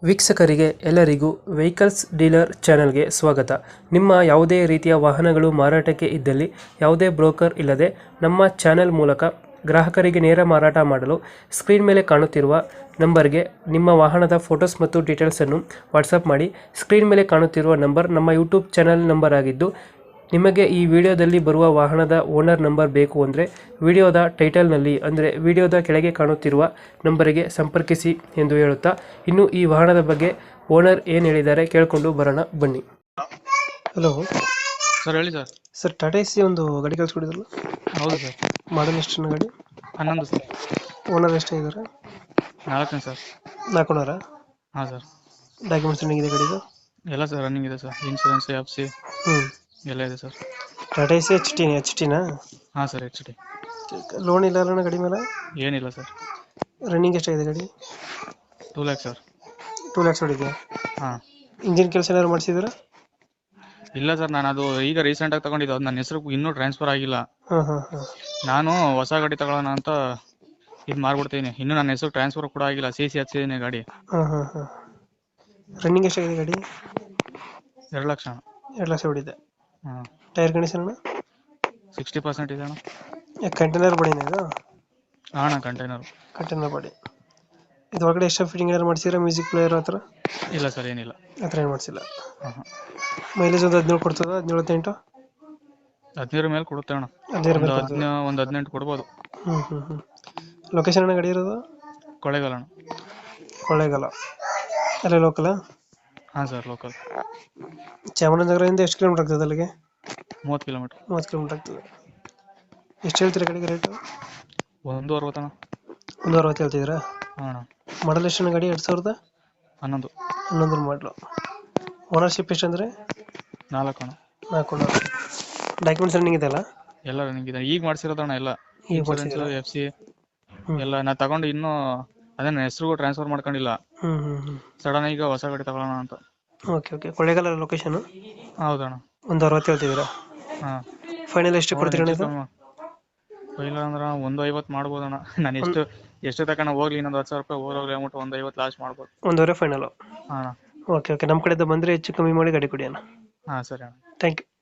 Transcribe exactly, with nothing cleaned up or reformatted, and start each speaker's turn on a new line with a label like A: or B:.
A: ವೀಕ್ಷಕರಿಗೆ ಎಲ್ಲರಿಗೂ vehicles dealer ಚಾನೆಲ್ಗೆ ಸ್ವಾಗತ. ನಿಮ್ಮ ಯಾವುದೇ ರೀತಿಯ ವಾಹನಗಳು ಮಾರಾಟಕ್ಕೆ ಇದ್ದಲ್ಲಿ ಯಾವುದೇ ಬ್ರೋಕರ್ ಇಲ್ಲದೆ ನಮ್ಮ ಚಾನೆಲ್ ಮೂಲಕ ಗ್ರಾಹಕರಿಗೆ ನೇರ ಮಾರಾಟ ಮಾಡಲು ಸ್ಕ್ರೀನ್ ಮೇಲೆ ಕಾಣುತ್ತಿರುವ ನಂಬರ್ಗೆ ನಿಮ್ಮ ವಾಹನದ ಫೋಟೋಸ್ ಮತ್ತು ಡೀಟೇಲ್ಸನ್ನು ವಾಟ್ಸಪ್ ಮಾಡಿ. ಸ್ಕ್ರೀನ್ ಮೇಲೆ ಕಾಣುತ್ತಿರುವ ನಂಬರ್ ನಮ್ಮ ಯೂಟ್ಯೂಬ್ ಚಾನೆಲ್ ನಂಬರ್ ಆಗಿದ್ದು, ನಿಮಗೆ ಈ ವಿಡಿಯೋದಲ್ಲಿ ಬರುವ ವಾಹನದ ಓನರ್ ನಂಬರ್ ಬೇಕು ಅಂದರೆ ವಿಡಿಯೋದ ಟೈಟಲ್ನಲ್ಲಿ ಅಂದರೆ ವಿಡಿಯೋದ ಕೆಳಗೆ ಕಾಣುತ್ತಿರುವ ನಂಬರಿಗೆ ಸಂಪರ್ಕಿಸಿ ಎಂದು ಹೇಳುತ್ತಾ, ಇನ್ನು ಈ ವಾಹನದ ಬಗ್ಗೆ ಓನರ್ ಏನು ಹೇಳಿದ್ದಾರೆ ಕೇಳಿಕೊಂಡು ಬರೋಣ ಬನ್ನಿ. ಹಲೋ
B: ಸರ್, ಹೇಳಿ ಸರ್.
A: ಸರ್, ಟಾಟಾ ಎಸಿ ಒಂದು ಗಾಡಿ ಕಳಿಸ್ಕೊಡಿದ್ರಲ್ಲ?
B: ಹೌದು ಸರ್.
A: ಮಾಡಲ್ ಎಷ್ಟು ಗಾಡಿ?
B: ಹನ್ನೊಂದು ಸರ್.
A: ಓನರ್ ಎಷ್ಟೇ ಇದ್ದಾರೆ?
B: ನಾಲ್ಕನೇ ಸರ್.
A: ನಾಲ್ಕು ಓನರ?
B: ಹಾಂ ಸರ್.
A: ಡಾಕ್ಯುಮೆಂಟ್ಸ್ ರನ್ನಿಂಗ್ ಇದೆ ಗಾಡಿದು?
B: ಎಲ್ಲ ಸರ್ ರನ್ನಿಂಗ್ ಇದೆ ಸರ್. ಇನ್ಶೂರೆನ್ಸ್, ಎಫ್ ಸಿ
A: ಹ್ಞೂ
B: ಎಲ್ಲ ಇದೆ sir.
A: Tata Ace H T H ಟಿನಾ?
B: ಹಾಂ ಸರ್, ಎಚ್ ಡಿ.
A: ಲೋನ್ ಇಲ್ಲ ಅಲ್ಲ ಗಾಡಿ ಮೇಲೆ?
B: ಏನಿಲ್ಲ ಸರ್.
A: ರನ್ನಿಂಗ್ ಎಷ್ಟಾಗಿದೆ ಗಾಡಿ?
B: Two lakhs sir.
A: Two lakhs ಹೊಡಿದೆ.
B: ಹಾಂ.
A: ಇಂಜಿನ್ ಕೆಲಸ ಏನಾದ್ರು ಮಾಡಿಸಿದ್ರ?
B: ಇಲ್ಲ ಸರ್, ನಾನು ಅದು ಈಗ ರೀಸೆಂಟಾಗಿ ತಗೊಂಡಿದ್ದು. ಅದು ನನ್ನ ಹೆಸರು ಇನ್ನೂ ಟ್ರಾನ್ಸ್ಫರ್ ಆಗಿಲ್ಲ.
A: ಹಾಂ ಹಾಂ ಹಾಂ
B: ನಾನು ಹೊಸ ಗಾಡಿ ತಗೊಳ್ಳೋಣ ಅಂತ ಇದು ಮಾರ್ಬಿಡ್ತೀನಿ. ಇನ್ನೂ ನನ್ನ ಹೆಸರು ಟ್ರಾನ್ಸ್ಫರ್ ಕೂಡ ಆಗಿಲ್ಲ. ಸಿ ಸಿ ಹಚ್ಚಿದ್ದೀನಿ ಗಾಡಿ.
A: ಹಾಂ ಹಾಂ ಹಾಂ ರನ್ನಿಂಗ್ ಎಷ್ಟಾಗಿದೆ ಗಾಡಿ?
B: ಎರಡು ಲಕ್ಷ ಅಣ್ಣ.
A: ಎರಡು ಲಕ್ಷ ಹೊಡಿದೆ.
B: ಹಾಂ.
A: ಟೈರ್ ಕಂಡೀಷನ್ ಅಣ್ಣ?
B: ಸಿಕ್ಸ್ಟಿ ಪರ್ಸೆಂಟ್ ಇದೆ ಅಣ್ಣ.
A: ಕಂಟೈನರ್ ಬಾಡಿನ ಇದು?
B: ಹಾಂ ಅಣ್ಣ, ಕಂಟೈನರು.
A: Container body. ಇದು ಒಳಗಡೆ ಎಕ್ಸ್ಟ್ರಾ ಫಿಟ್ಟಿಂಗ್ ಏನಾರು ಮಾಡಿಸಿದ್ರೆ, ಮ್ಯೂಸಿಕ್ ಪ್ಲೇಯರ್ ಹತ್ರ?
B: ಇಲ್ಲ ಸರ್, ಏನಿಲ್ಲ.
A: ಆ ಥರ ಏನು ಮಾಡಿಸಿಲ್ಲ.
B: ಹಾಂ ಹಾಂ.
A: ಮೈಲೇಜ್ ಒಂದು ಹದಿನೇಳು ಕೊಡ್ತದ? ಹದಿನೇಳು ಹದಿನೆಂಟು?
B: ಹದಿನೈದರ ಮೇಲೆ ಕೊಡುತ್ತೆ ಅಣ್ಣ.
A: ಹದಿನೈದರ
B: ಒಂದು
A: ಮೇಲೆ
B: ಹದಿನ ಒಂದು ಹದಿನೆಂಟು ಕೊಡ್ಬೋದು.
A: ಹ್ಞೂ ಹ್ಞೂ ಹ್ಞೂ ಲೊಕೇಶನ್ ಅಣ್ಣ ಗಾಡಿ ಇರೋದು?
B: ಕೊಳ್ಳೇಗಾಲ ಅಣ್ಣ.
A: ಕೊಳ್ಳೇಗಾಲ ಅಲ್ಲೇ ಲೋಕಲ?
B: ಹಾಂ ಸರ್, ಲೋಕಲ್.
A: ಚಾಮರಾಜನಗರದಿಂದ ಎಷ್ಟು ಕಿಲೋಮೀಟರ್ ಆಗ್ತದೆ ಅಲ್ಲಿಗೆ?
B: ಮೂವತ್ತು ಕಿಲೋಮೀಟ್ರ್.
A: ಮೂವತ್ತು ಕಿಲೋಮೀಟರ್ ಆಗ್ತದೆ. ಎಷ್ಟು ಹೇಳ್ತೀರಾ ಗಾಡಿಗೆ ರೇಟು?
B: ಒಂದು ಅರವತ್ತಣ್ಣ.
A: ಒಂದು ಅರವತ್ತು ಹೇಳ್ತಿದ್ದೀರಾ?
B: ಹಾಂ ಅಣ್ಣ.
A: ಮಾಡಲ್ ಎಷ್ಟು ಗಾಡಿ? ಎರಡು ಸಾವಿರದ
B: ಹನ್ನೊಂದು.
A: ಹನ್ನೊಂದರ ಮಾಡಲು. ಓನರ್ಶಿಪ್ ಎಷ್ಟು ಅಂದರೆ?
B: ನಾಲ್ಕು ಅಣ್ಣ.
A: ನಾಲ್ಕು ಓನರ್. ಡಾಕ್ಯುಮೆಂಟ್ಸ್ ರನ್ನಿಂಗ್ ಇದೆಯಲ್ಲ?
B: ಎಲ್ಲ ರನ್ನಿಂಗ್ ಇದೆ. ಈಗ ಮಾಡಿಸಿರೋದಣ್ಣ ಎಲ್ಲ.
A: ಈಗ
B: ಇನ್ಶೂರೆನ್ಸ್, ಎಫ್ ಸಿ
A: ಹ್ಞೂ
B: ಎಲ್ಲ ನಾ ತಗೊಂಡು ಇನ್ನೂ ಅದೇ ನನ್ನ ಹೆಸರಿಗೂ ಟ್ರಾನ್ಸ್ಫರ್ ಮಾಡ್ಕೊಂಡಿಲ್ಲ.
A: ಹ್ಞೂ ಹ್ಞೂ ಹ್ಞೂ
B: ಸಡನ್ ಈಗ ಹೊಸ ಗಾಡಿ ತಗೊಳ್ಳೋಣ ಅಂತ.
A: Okay okay Kollegal location?
B: ಹೌದಣ್ಣ.
A: ಒಂದು ಅರವತ್ತು ಹೇಳ್ತಿದ್ದೀರಾ?
B: ಹಾಂ.
A: ಫೈನಲ್ ಎಷ್ಟು ಕೊಡ್ತೀರಾ ಇದು?
B: ಇಲ್ಲ ಅಂದ್ರೆ ಒಂದು ಐವತ್ತು ಮಾಡ್ಬೋದಣ್ಣ. ನಾನು ಎಷ್ಟು ಎಷ್ಟು ತಗೊಂಡು ಹೋಗ್ಲಿ, ಇನ್ನೊಂದು ಹತ್ತು ಸಾವಿರ ರೂಪಾಯಿ ಹೋಗ್ಲಿ ಅಂದ್ಬಿಟ್ಟು ಒಂದು ಐವತ್ತು ಲಾಸ್ಟ್ ಮಾಡ್ಬೋದು.
A: ಒಂದೂವರೆ ಫೈನಲು?
B: ಹಾಂ.
A: ಓಕೆ ಓಕೆ ನಮ್ಮ ಕಡೆಯಿಂದ ಬಂದರೆ ಹೆಚ್ಚು ಕಮ್ಮಿ ಮಾಡಿ ಗಾಡಿ ಕೊಡಿ ಅಣ್ಣ.
B: ಹಾಂ ಸರಿ ಅಣ್ಣ.
A: Thank you.